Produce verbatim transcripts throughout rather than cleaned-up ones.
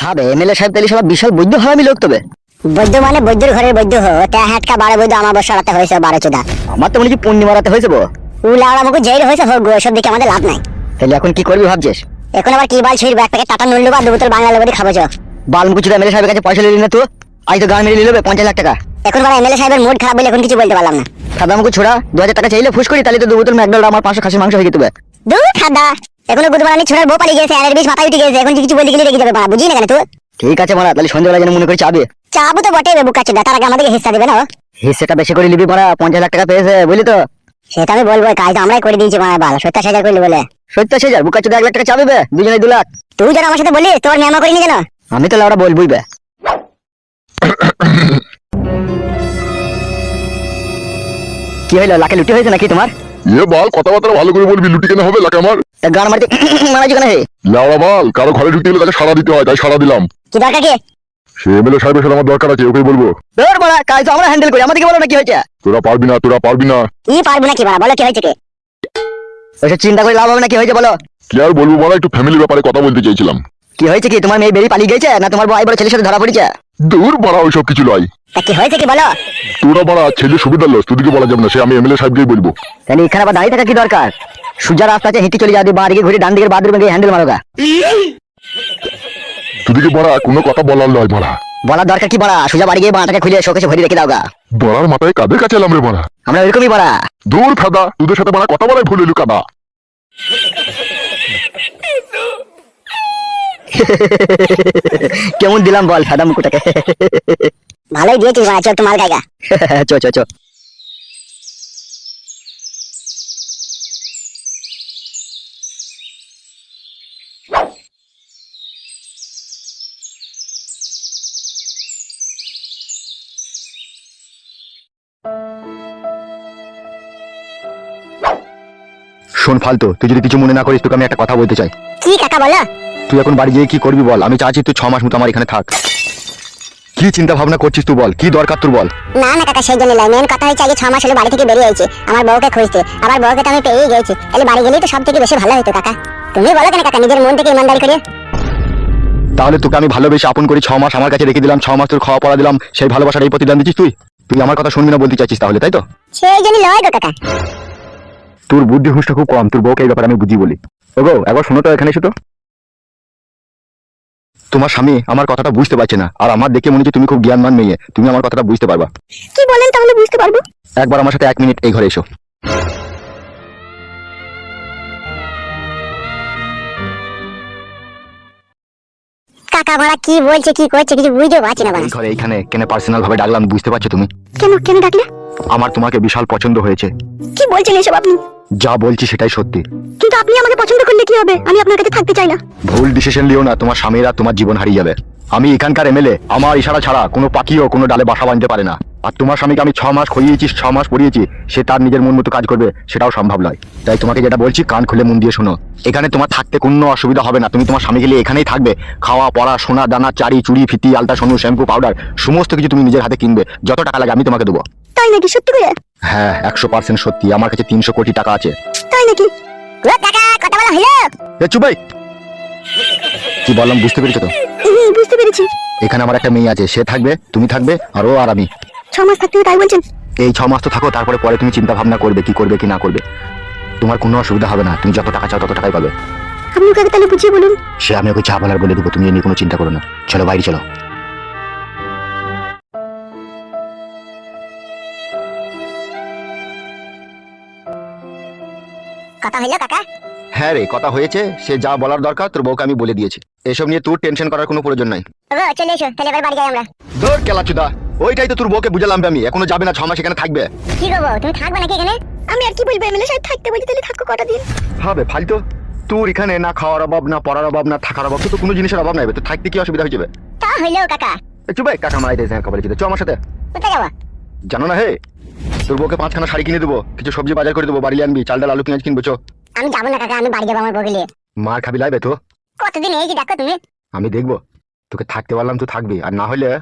হবে এমএলএ সাহেব তাহলে সব বিশাল বৈদ্য হয় আমি লোক তবে বৈদ্য মানে বৈদ্যর ঘরের বৈদ্য হো তা হাটকা বারে বৈদ্য আমার বসাতে হয়েছে বারো চোদা। আমার তো মনে হচ্ছে পুণ্য মারাতে হয়েছে বো উলাওড়া মুখ জেল হয়েছে হোক গো, সব দিকে আমাদের লাভ নাই। তাহলে এখন কি করবি ভাবছিস? এখন আবার কি বাল ছুঁড়ি এক প্যাকেট টাটা নুন লুবা দু বোতল বাংলা লেবুরি খাবো চো। বালমুকুচি এমএলএ সাহেবের কাছে পয়সা নিলি না তো? আজ তো গান মেরে নিলবে পঞ্চাশ লাখ টাকা। এখন বড় এমএলএ সাহেবের মুড খারাপ বলে এখন কিছু বলতে পারলাম না। খাদামুকু ছোড়া দু হাজার টাকা চাইলে ফুস করি তাহলে তো দু বোতল ম্যাকডোনাল্ড আমার পাঁচশো খাসির মাংস হয়ে যেতে হবে। দূর খাদা এখনো গুদমারানি ছোড়ার বউ পালিয়ে গেছে, আর বিষ মাথায় উঠে গেছে, এখন কিছু বলতে গেলে রেগে যাবে, বুঝি না কেন তুই? ঠিক আছে মারা, তাহলে সন্ধ্যাবেলা যেন মনে করে চাবে চাবো তো বটে বুকা চোদা, তার আগে আমাদেরকে হিস্সা দেবে না। হিসেটা বেশি করে নিবি মারা, পঞ্চাশ লাখ টাকা পেয়েছে বুঝলি তো? সেটা আমি বলবো, কাজ তো আমরাই করে দিয়েছি মারা, বাল সত্তর হাজার করলি বলে। সত্তর হাজার বুকা চোদা এক লাখ টাকা চাবে বে, দুজনে দু লাখ। তুই যেন আমার সাথে বলি তোর মেমা করিনি যেন। আমি তো লাউড়া বলবই বে। কি হইলো, লাখে লুটি হয়েছে নাকি তোমার? এ বাল কথাবার্তা ভালো করে বলবি, লুটি কেন হবে লাকে আমার? তা গান মারতে মারা যেখানে হে লাউড়া বাল, কারো ঘরে ঢুকতে গেলে তাকে সাড়া দিতে হয়, তাই সাড়া দিলাম। কি দরকার কি? সে এমএলএ সাহেবের সাথে আমার দরকার আছে, ওকেই বলবো। তোর মারা কাজ তো আমরা হ্যান্ডেল করি, আমাদেরকে বলো না কি হয়েছে। তোরা পারবি না, তোরা পারবি না। কি পারবো না কি মারা, বলো কি হয়েছে কি? ওইসব চিন্তা করে লাভ হবে না, কি হয়েছে বলো। কি আর বলবো বলা, একটু ফ্যামিলি ব্যাপারে কথা বলতে চাইছিলাম। কি হয়েছে কি, তোমার মেয়ে বেরিয়ে পালিয়ে গেছে না তোমার ভাই বড় ছেলের সাথে ধরা পড়েছে? দূর বাড়া, ওইসব কিছু নয়। তা কি হয়েছে কি বলো। তোরা বাড়া ছেলে সুবিধার লস, তোদিকে বলা যাবে না, সে আমি এমএলএ সাহেবকেই বলবো। তাহলে এখানে আবার দাঁড়িয়ে থাকা কি দরকার? সুজা রাস্তা আছে, হেঁটে চলে যাবে, বাঁ দিকে ঘুরে ডান দিকের বাথরুমে গিয়ে হ্যান্ডেল মারোগা। তোদিকে বড়া কোনো কথা বলার নয় বড়া। বলার দরকার কি বড়া, সুজা বাড়ি গিয়ে বাঁটাকে খুলে শোকেশে ভরে রেখে দাওগা। বড়ার মাথায় কাদের কাছে এলাম রে বড়া? আমরা ওইরকমই বড়া। দূর খাদা, তোদের সাথে বড়া কথা বলাই ভুল হইল কাদা। কেমন দিলাম বল সাদা মুকুটাকে? ভালোই দিয়েছিস মারা, চল একটু মাল গাইগা। চো চো চো। শোন ফালতু, তুই যদি কিছু মনে না করিস তোকে আমি একটা কথা বলতে চাই। কি কাকা বলো? তুই এখন বাড়ি গিয়ে কি করবি বল? আমি চাচ্ছি তুই ছ মাস মতো আমার এখানে থাক। কি চিন্তা ভাবনা করছিস তুই বল, কি দরকার তোর বল? না না কাকা, সেই জন্য নয়, মেন কথা হচ্ছে আগে ছ মাস হলো বাড়ি থেকে বেরিয়ে আইছি আমার বউকে খুঁজতে, আবার বউকে তো আমি পেয়েই গেছি, তাহলে বাড়ি গেলেই তো সব থেকে বেশি ভালো হতো কাকা। তুমি বলো কেন কাকা, নিজের মন থেকে ইমানদারি করে। তাহলে তোকে আমি ভালোবেসে আপন করি, ছ মাস আমার কাছে রেখে দিলাম, ছ মাস তোর খাওয়া পড়া দিলাম, সেই ভালোবাসার এই প্রতিদান দিচ্ছিস তুই? তুই আমার কথা শুনবি না বলতে চাইছিস তাহলে, তাই তো? সেই জন্য লয় গো কাকা। তোর বুদ্ধি হুঁশটা খুব কম, তোর বউকে এই ব্যাপারে আমি বুঝি বলি। ওগো একবার শোনো তো, এখানে এসো তো। তোমার স্বামী আমার কথাটা বুঝতে পারছে না, আর আমার দেখে মনে হচ্ছে তুমি খুব জ্ঞানমান মেয়ে, তুমি আমার কথাটা বুঝতে পারবা। কি বলেন তাহলে বুঝতে পারবো? একবার আমার সাথে এক মিনিট এই ঘরে এসো। কাকা ভাড়া কি বলছে কি করছে কিছু বুঝতে পারছি না। এই ঘরে এইখানে কেন পার্সোনাল ভাবে ডাকলাম বুঝতে পারছো তুমি? কেন কেন ডাকলে? আমার তোমাকে বিশাল পছন্দ হয়েছে। কি বলছেন এসব আপনি? যা বলছি সেটাই সত্যি। কিন্তু আপনি আমাকে পছন্দ করলে কি হবে, আমি আপনার কাছে থাকতে চাই না। ভুল ডিসিশন লিও না, তোমার স্বামীরা তোমার জীবন হারিয়ে যাবে। আমি এখানকার এমএলএ, আমার ইশারা ছাড়া কোনো পাখিও কোনো ডালে বাসা বাঁধতে পারে না। আর তোমার স্বামীকে আমি ছ মাস খইয়েছি, ছ মাস পড়িয়েছি, সে তার নিজের মন মতো কাজ করবে সেটাও সম্ভব নয়। তাই তোমাকে যেটা বলছি কান খুলে মন দিয়ে শোনো। এখানে তোমার থাকতে কোনো অসুবিধা হবে না, তুমি তোমার স্বামীকে নিয়ে এখানেই থাকবে। খাওয়া পড়া সোনা দানা চারি চুড়ি ফিতি আলতা সোনু শ্যাম্পু পাউডার সমস্ত কিছু তুমি নিজের হাতে কিনবে, যত টাকা লাগে আমি তোমাকে দেবো। তাই নাকি? সত্যি করে? হ্যাঁ একশো পার্সেন্ট সত্যি, আমার কাছে তিনশো কোটি টাকা আছে। তাই নাকি? ও কাকা কথা বলা হলো? এ চুপ ভাই, কি বললাম বুঝতে পেরেছো তো? হুম বুঝতে পেরেছি। এখানে আমার একটা মেয়ে আছে, সে থাকবে, তুমি থাকবে, আর ও আর আমি। ছ মাস থাকতে হবে তাই বলছেন? এই ছ মাস তো থাকো, তারপরে পরে তুমি চিন্তা ভাবনা করবে কি করবে কি না করবে। তোমার কোনো অসুবিধা হবে না, তুমি যত টাকা চাও তত টাকাই পাবে। আপনি ওকে তাহলে বুঝিয়ে বলুন। সে আমি ওকে যা বলার বলে দেবো, তুমি এ নিয়ে কোনো চিন্তা করো না। চলো বাইরে চলো। কথা হলো কাকা? হ্যাঁ রে কথা হয়েছে, সে যা বলার দরকার তোর বউকে আমি বলে দিয়েছি। এসব নিয়ে তোর টেনশন করার কোনো প্রয়োজন নাই। ও চলে এসো তাহলে এবার বাড়ি যাই আমরা। ধর কেলাচুদা, ওইটাই তো তোর বউকে বুঝালাম আমি, এখনো যাবে না, ছ মাস এখানে থাকবে। কি গো বউ, তুমি থাকবে নাকি এখানে? আমি আর কি বলবো, এমএলএ সাহেব থাকতে বলি তাহলে থাকো কটা দিন। হবে ফালতু, তোর এখানে না খাওয়ার অভাব না পড়ার অভাব না থাকার অভাব, তো কোনো জিনিসের অভাব নাই, তো থাকতে কি অসুবিধা হয়ে যাবে? তা হইলো কাকা। চুপ ভাই, কাকা মারাই দিয়েছে খবর চ আমার সাথে। কোথায় যাবো? জানো না হে, তোর বউকে পাঁচখানা শাড়ি কিনে দেবো, কিছু সবজি বাজার করে দেবো, বাড়ি আনবি, চাল ডাল আলু পেঁয়াজ কিনবো। চো। আমি যাবো না কাকা, আমি বাড়ি যাবো আমার বউকে নিয়ে। মার খাবি লাইবে তো? কতদিন এই যে দেখো তুমি। আমি দেখবো, তোকে থাকতে পারলাম তুই থাকবি, আর না হলে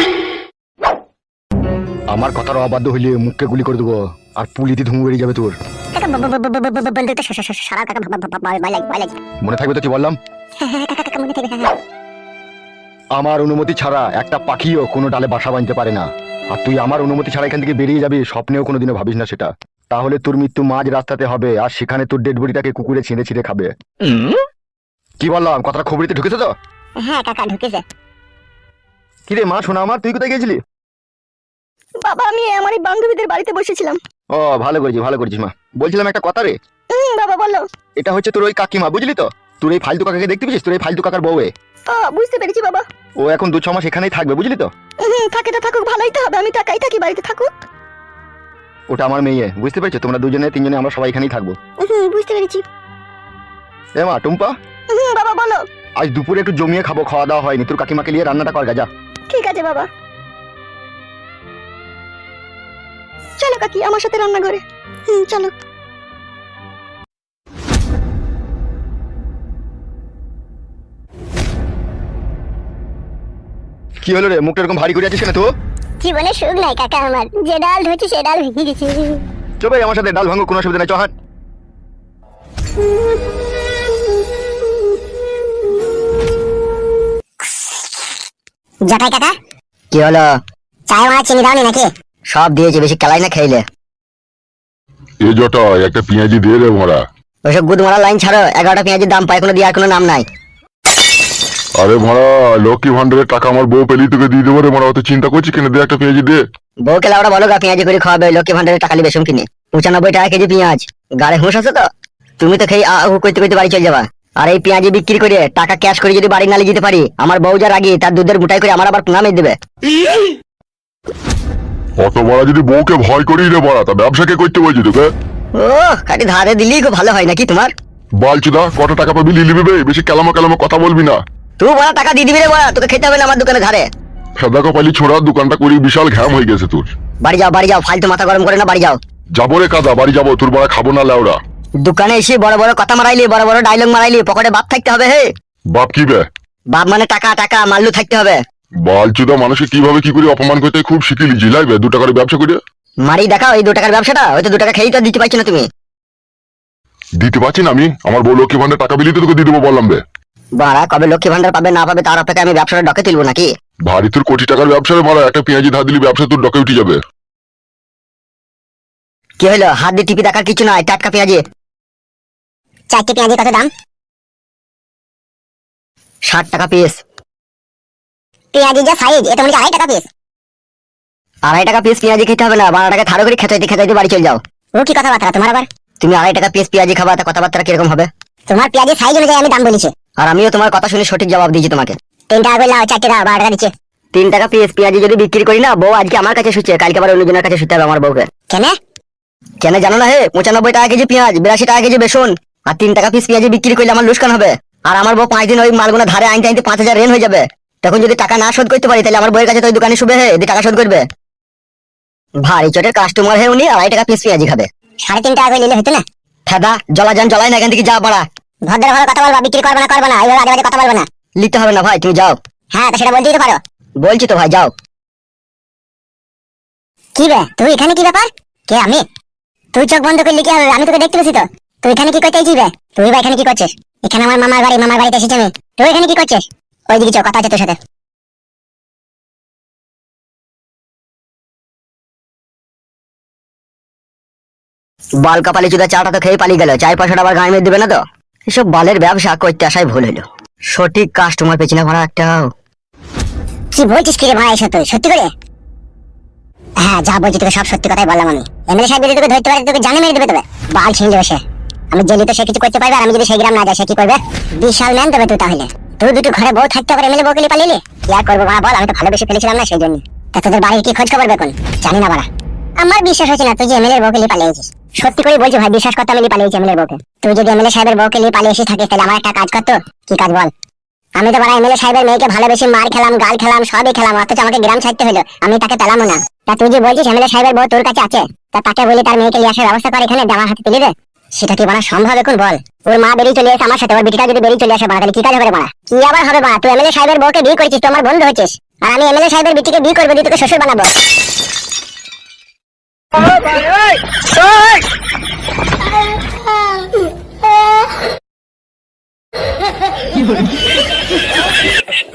আমার কথার অবাধ্য হইলে মুখকে গুলি করে দেবো, আর পুলিতে ধুমু বেরিয়ে যাবে তোর। কাকা বলতে তো সারা কাকা ভয় লাগে ভয় লাগে। মনে থাকবে তো কি বললাম? হ্যাঁ হ্যাঁ কাকা কাকা মনে থাকবে। হ্যাঁ আমার অনুমতি ছাড়া একটা পাখিও কোনো ডালে বাসা বাঁধতে পারে না। আর তুই আমার অনুমতি ছাড়া এখান থেকে বেরিয়ে যাবি, স্বপ্নেও কোনোদিনও ভাবিস না সেটা। তাহলে তোর মৃত্যু মাঝ রাস্তাতে হবে, আর সেখানে তোর ডেড বডিটাকে কুকুরে ছিঁড়ে ছিঁড়ে খাবে। কি বললাম, কথাটা খবরিতে ঢুকেছে তো? হ্যাঁ কাকা ঢুকেছে। কি রে মা, শোনা আমার, তুই কোথায় গেছিলি? বাবা আমি আমার এই বান্ধবীদের বাড়িতে বসেছিলাম। ও ভালো করেছিস, ভালো করেছিস মা। বলছিলাম একটা কথা রে। হুম বাবা বলো। এটা হচ্ছে তোর ওই কাকিমা, বুঝলি তো? তোর এই ফালতু কাকাকে দেখতে পেয়েছিস? তোর এই ফালতু কাকার বউয়ে। ও বুঝতে পেরেছি বাবা। ও এখন দু ছ মাস এখানেই থাকবে, বুঝলি তো? হুম থাকে তো থাকুক, ভালোই তো হবে, আমি টাকাই থাকি, বাড়িতে থাকুক। ওটা আমার মেয়ে, বুঝতে পেরেছো? তোমরা দুজনে তিনজনে আমরা সবাই এখানেই থাকবো। হুম বুঝতে পেরেছি। এ মা টুম্পা, হুম বাবা বলো। আজ দুপুরে একটু জমিয়ে খাবো, খাওয়া দাওয়া হয়নি। তোর কাকিমাকে নিয়ে রান্নাটা কর গা, যা। ঠিক আছে বাবা। চলো কাকি আমার সাথে রান্না করে। হুম চলো। কি হলো রে, মুখটা এরকম ভারী করে আছিস কেন তো? জীবনে সুখ নাই কাকা আমার, যে ডাল ধরছি সে ডাল ভেঙে গেছে। চবে আমার সাথে ডাল ভাঙো, কোনো অসুবিধা নাই, চহান। জটাই কাকা কি হলো? চায় মারা চিনি দাওনি নাকি? সব দিয়েছে, বেশি কেলাই না খেইলে। এ জটা একটা পেঁয়াজি দিয়ে রে মরা। ওইসব গুদ মারা লাইন ছাড়ো, এগারোটা পেঁয়াজের দাম পায়, কোনো দেওয়ার কোনো নাম নাই। আরে মরা, লক্ষ্মী ভান্ডারের টাকা আমার বউ পেলি তোকে দিয়ে দেবো রে মরা, অত চিন্তা করছিস কেন? দে একটা পেঁয়াজি দে। বউকে লাউড়া বলো গা পেঁয়াজি করে খাওয়াবে, লক্ষ্মী ভান্ডারের টাকা লিবে কিনে। পঁচানব্বই টাকা কেজি পেঁয়াজ, গাড়ে হুঁশ আছে তো? তুমি তো খেয়ে আহু করতে করতে বাড়ি চলে যাবা। আর এই পেঁয়াজি বিক্রি করে টাকা ক্যাশ করে যদি বাড়ি নালে যেতে পারি, আমার বউ যা রাগি তার দুধের বুটাই করে আমার আবার নামে দেবে। অত বড় যদি বউকে ভয় করি রে বড়া, তা ব্যবসাকে করতে বলছি তোকে? ও খাটি ধারে দিলেই খুব ভালো হয় নাকি তোমার? বালচুদা, কত টাকা পাবি লিলি বে, বেশি কেলামো কেলামো কথা বলবি না। তুই বড় টাকা দিয়ে দিবি রে বড়া, তোকে খেতে হবে না আমার দোকানে ধারে। ফেদা কপালি ছোড়া, দোকানটা করি বিশাল ঘ্যাম হয়ে গেছে তোর। বাড়ি যাও বাড়ি যাও, ফালতু মাথা গরম করে না, বাড়ি যাও। যাবো রে কাদা, বাড়ি যাবো, তোর বড়া খাবো না লেওড়া। দোকানে এসে বড় বড় কথা মারাইলি, বড় বড় ডায়লগ মারাইলি, পকেটে বাপ থাকতে হবে। হে বাপ কি বে? বাপ মানে টাকা, টাকা মাল্লু থাকতে হবে। বালচুদা, মানুষকে কিভাবে কি করে অপমান করতে খুব শিখিলি, জিলাইবে দু টাকার ব্যবসা করে। মারি দেখাও এই দু টাকার ব্যবসাটা, ওই তো দু টাকা খেয়েই তো দিতে পারছো না তুমি। দিতে পারছি না আমি? আমার বউ লক্ষ্মী ভান্ডার টাকা বিলি তো তোকে দিয়ে দেবো বললাম বে। বাড়া কবে লক্ষ্মী ভান্ডার পাবে না পাবে তার অপেক্ষা আমি ব্যবসাটা ডকে তুলবো নাকি? ভারী তোর কোটি টাকার ব্যবসা রে মারা, একটা পেঁয়াজি ধার দিলি ব্যবসা তোর ডকে উঠে যাবে। কি হলো, হাত দিয়ে টিপি দেখার কিছু নাই, টাটকা পেঁয়াজি। চারটে পেঁয়াজি কত দাম? ষাট টাকা পিস। পেঁয়াজি যা সাইজ, এটা মনে হয় আড়াই টাকা পিস। আড়াই টাকা পিস পেঁয়াজি খেতে হবে না, বারো টাকা থারো করে খেতে খেতে বাড়ি চলে যাও। ও কি কথাবার্তা তোমার আবার? তুমি আড়াই টাকা পিস পেঁয়াজি খাবা, তা কথাবার্তা কিরকম হবে? তোমার পেঁয়াজি সাইজ অনুযায়ী আমি দাম বলেছি। আর আমিও তোমার কথা শুনে সঠিক জবাব দিয়েছি তোমাকে। তিন টাকা করে লাও, চারটে দাও, বারো টাকা দিচ্ছে। তিন টাকা পিস পেঁয়াজি যদি বিক্রি করি না, বউ আজকে আমার কাছে শুচ্ছে, কালকে আবার অন্যজনের কাছে শুতে হবে আমার বউকে। কেন? কেন জানো না? হে পঁচানব্বই টাকা কেজি পেঁয়াজ, বিরাশি টাকা কেজি বেসন, আর তিন টাকা পিস পেঁয়াজি বিক্রি করলে আমার লোকসান হবে। আর আমার বউ পাঁচ দিন ওই মালগুলো ধারে আনতে আনতে পাঁচ হাজার রেন হয়ে যাবে। তখন যদি টাকা না শোধ করতে পারি, তাহলে আমার বউয়ের কাছে তো ওই দোকানে শুবে, হে টাকা শোধ করবে। ভারী চটের কাস্টমার, হে উনি আড়াই টাকা পিস পেঁয়াজি খাবে। সাড়ে তিন টাকা করে নিলে হতো না? ফেদা জলা যান জ্বলাই না, এখান থেকে যা বাড়া। ভদ্র ভাবে কথা বলবা, বিক্রি করবে না করবে না, এইভাবে আজে বাজে কথা বলবে না। লিখতে হবে না ভাই, তুমি যাও। হ্যাঁ তা সেটা বলতেই তো পারো। বলছি তো ভাই, যাও। কি বে, তুই এখানে কি ব্যাপার? কে আমি? তুই চোখ বন্ধ করলি কি হবে? আমি তোকে দেখতে পেয়েছি তো। তুই এখানে কি করতে চাইছিস বে? তুই বা এখানে কি করছিস? এখানে আমার মামার বাড়ি, মামার বাড়িতে এসেছি আমি। তুই এখানে কি করছিস? ওইদিকে চো, কথা আছে তোর সাথে। বাল কাপালি চুদা চাটা তো খেয়ে পালিয়ে গেল, চার পয়সাটা আবার গায়ে মেরে দেবে না তো? এসব বালের ব্যবসা করতে আসাই ভুল হলো। সঠিক কাস্টমার পেছি না ভাড়া একটাও। কি বলছিস কি রে ভাই এসব? তুই সত্যি করে? হ্যাঁ যা বলছি তোকে সব সত্যি কথাই বললাম আমি। এমএলএ সাহেব যদি তোকে ধরতে পারে তোকে জানে মেরে দেবে তবে। বাল ছিঁড়ে যাবে সে। আমি জেলি তো সে কিছু করতে পারবে, আর আমি যদি সেই গ্রাম না যাই সে কি করবে? বিশাল ম্যান দেবে তুই তাহলে। তুই দুটো ঘরে বউ থাকতে পারে, এমএলএ বউকে নিয়ে পালিয়ে কি আর করবো বাড়া বল? আমি তো ভালোবেসে ফেলেছিলাম না সেই জন্য। তা তোদের বাড়ির কি খোঁজ খবর বেকন? জানি না বাড়া। আমার বিশ্বাস হচ্ছে না তুই যে এমএলএ বউকে নিয়ে পালিয়েছিস। সত্যি করে বলছি ভাই, বিশ্বাস করতে আমি নিয়ে পালিয়েছি এমএলএ বউকে। তুই যদি এমএলএ সাহেবের বউকে নিয়ে পালিয়ে এসে থাকিস তাহলে আমার একটা কাজ করতো। কি কাজ বল? আমি তো বাড়া এমএলএ সাহেবের মেয়েকে ভালোবেসে মার খেলাম, গাল খেলাম, সবই খেলাম, অথচ আমাকে গ্রাম ছাড়তে হলো। আমি তাকে পেলামও না। তা তুই যে বলছিস এমএলএ সাহেবের বউ তোর কাছে আছে, তা তাকে বলি তার মেয়েকে নিয়ে আসার ব্যবস্থা কর, এখানে আমার হাতে তুলে দে। সেটা কি বাড়া সম্ভব এখন বল? ওর মা বেরিয়ে চলে এসে আমার সাথে, ওর বেটিটা যদি বেরিয়ে চলে আসে বাড়া, তাহলে কি কাজ হবে বাড়া? কি আবার হবে বাড়া? তুই এমএলএ সাহেবের বউকে বিয়ে করেছিস, তুই আমার বন্ধু হয়েছিস, আর আমি এমএলএ সাহেবের বেটিকে বিয়ে করবো, দিয়ে তোকে শ্বশুর বানাবো। কি